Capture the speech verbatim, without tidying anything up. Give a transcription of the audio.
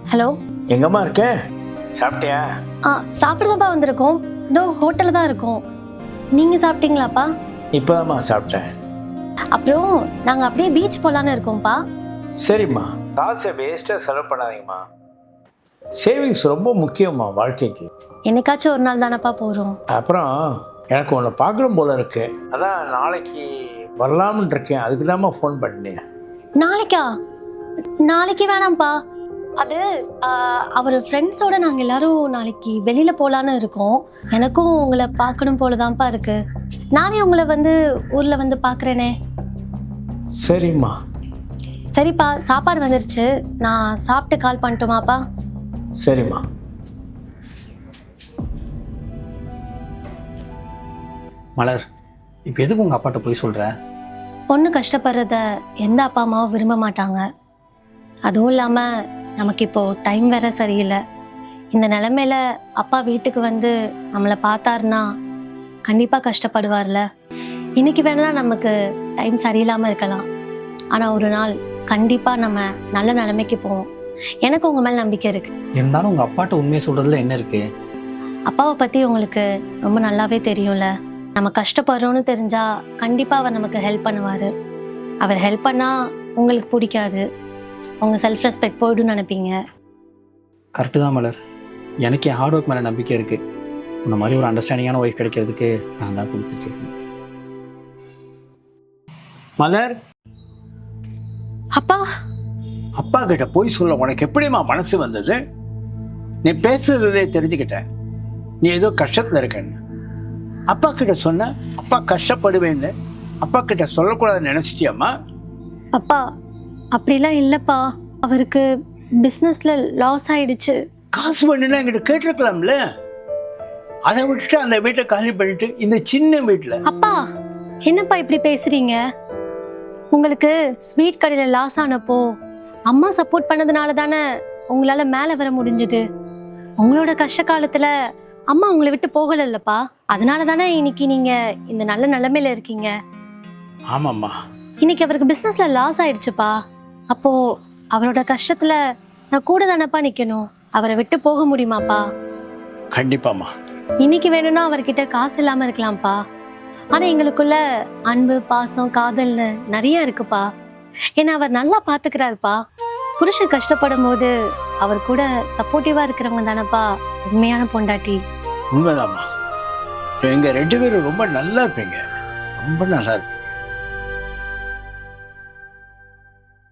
Hello, எங்கம்மா இருக்க? சாப்பிட்டியா? ஆ சாப்பிடதாப்பா வந்திருக்கோம். இதோ ஹோட்டலில் தான் இருக்கோம். நீங்கள் சாப்பிட்டீங்களாப்பா? இப்போதாம்மா சாப்பிட்டேன். அப்புறம் நாங்கள் அப்படியே பீச் போகலான்னு இருக்கோம்ப்பா. சரிம்மா, காசை வேஸ்ட்டாக செலவு பண்ணாதீங்கம்மா. சேவிங்ஸ் ரொம்ப முக்கியம்மா வாழ்க்கைக்கு. என்னைக்காச்சும் ஒரு நாள் தானப்பா போகிறோம். அப்புறம் எனக்கு உன்னை பார்க்கணும் போல இருக்கு, அதான் நாளைக்கு வரலாம்னு இருக்கேன். அதுக்கு தான்மா ஃபோன் பண்ணேன். நாளைக்கா? நாளைக்கு வேணாம்ப்பா. அது அவர் ஃப்ரெண்ட்ஸோட நாங்கள் எல்லாரும் நாளைக்கு வெளியில் போகலான்னு இருக்கோம். எனக்கும் உங்களை பார்க்கணும் போல தான்ப்பா இருக்கு. நானே உங்களை வந்து ஊரில் வந்து பார்க்குறேனே. சரிம்மா. சரிப்பா, சாப்பாடு வந்துருச்சு. நான் சாப்பிட்டு கால் பண்ணட்டுமாப்பா? சரிம்மா. மலர், இப்போ எதுக்கு உங்கள் அப்பாட்ட போய் சொல்கிற? பொண்ணு கஷ்டப்படுறத எந்த அப்பா அம்மாவும் விரும்ப மாட்டாங்க. அதுவும் இல்லாமல் நமக்கு இப்போது டைம் வேற சரியில்லை. இந்த நிலமையில அப்பா வீட்டுக்கு வந்து நம்மளை பார்த்தாருன்னா கண்டிப்பாக கஷ்டப்படுவார்ல. இன்னைக்கு வேணா நமக்கு டைம் சரியில்லாமல் இருக்கலாம், ஆனால் ஒரு நாள் கண்டிப்பாக நம்ம நல்ல நிலைமைக்கு போவோம். எனக்கு உங்கள் மேலே நம்பிக்கை இருக்குது. இருந்தாலும் உங்கள் அப்பாட்ட உண்மையை சொல்கிறதுல என்ன இருக்குது? அப்பாவை பற்றி உங்களுக்கு ரொம்ப நல்லாவே தெரியும்ல. நம்ம கஷ்டப்படுறோன்னு தெரிஞ்சா கண்டிப்பாக அவர் நமக்கு ஹெல்ப் பண்ணுவார். அவர் ஹெல்ப் பண்ணால் உங்களுக்கு பிடிக்காது, உங்கள் செல்ஃப் ரெஸ்பெக்ட் போய்டுன்னு நினைப்பீங்க. கரெக்டு தான் மலர். எனக்கு என் ஹார்ட் ஒர்க் மேலே நம்பிக்கை இருக்குது. உன்ன மாதிரி ஒரு அண்டர்ஸ்டாண்டிங்கான ஒய்ஃப் கிடைக்கிறதுக்கு நான் தான் கொடுத்துட்ருக்கேன். மலர், அப்பா அப்பா கிட்ட போய் சொல்ல உனக்கு எப்படிம்மா மனசு வந்தது? நீ பேசுறதுலே தெரிஞ்சுக்கிட்டேன் நீ ஏதோ கஷ்டத்தில் இருக்கன்னு. அப்பா கிட்ட சொன்ன அப்பா கஷ்டப்படுவேன்னு அப்பா கிட்ட சொல்லக்கூடாதுன்னு நினைச்சிட்டியாம்மா? அப்பா அப்படிலாம் இல்லைப்பா. அவருக்கு பிஸ்னஸில் லாஸ் ஆயிடுச்சு. காசு பண்ணுன்னா என்கிட்ட கேட்டிருக்கலாம்ல. அதை விட்டுட்டு அந்த வீட்டை காலி பண்ணிட்டு இந்த சின்ன வீட்டில். அப்பா என்னப்பா இப்படி பேசுறீங்க? உங்களுக்கு ஸ்வீட் கடையில் லாஸ் ஆனப்போ அம்மா சப்போர்ட் பண்ணதுனால தானே உங்களால் மேலே வர முடிஞ்சது. உங்களோட கஷ்ட காலத்தில் அம்மா உங்களை விட்டு போகலைல்லப்பா. அதனால தானே இன்னைக்கு நீங்கள் இந்த நல்ல நிலைமையில இருக்கீங்க. ஆமாம்மா. இன்னைக்கு அவருக்கு பிஸ்னஸில் லாஸ் ஆயிடுச்சுப்பா. அப்போது அவரோட கஷ்டத்தில் நான் கூட தானப்பா நிற்கணும். அவரை விட்டு போக முடியுமாப்பா? கண்டிப்பாம்மா. இன்னைக்கு வேணும்னா அவர்கிட்ட காசு இல்லாமல் இருக்கலாம்ப்பா, ஆனால் எங்களுக்குள்ள அன்பு, பாசம், காதல்னு நிறைய இருக்குப்பா. ஏன்னா அவர் நல்லா பார்த்துக்கிறாருப்பா. புருஷன் கஷ்டப்படும் போது அவர் கூட சப்போர்ட்டிவாக இருக்கிறவங்க தானப்பா உண்மையான பொண்டாட்டி. உண்மைதாம்மா. எங்க ரெண்டு பேரும் ரொம்ப நல்லா இருப்பீங்க, ரொம்ப நல்லா இருப்பீங்க.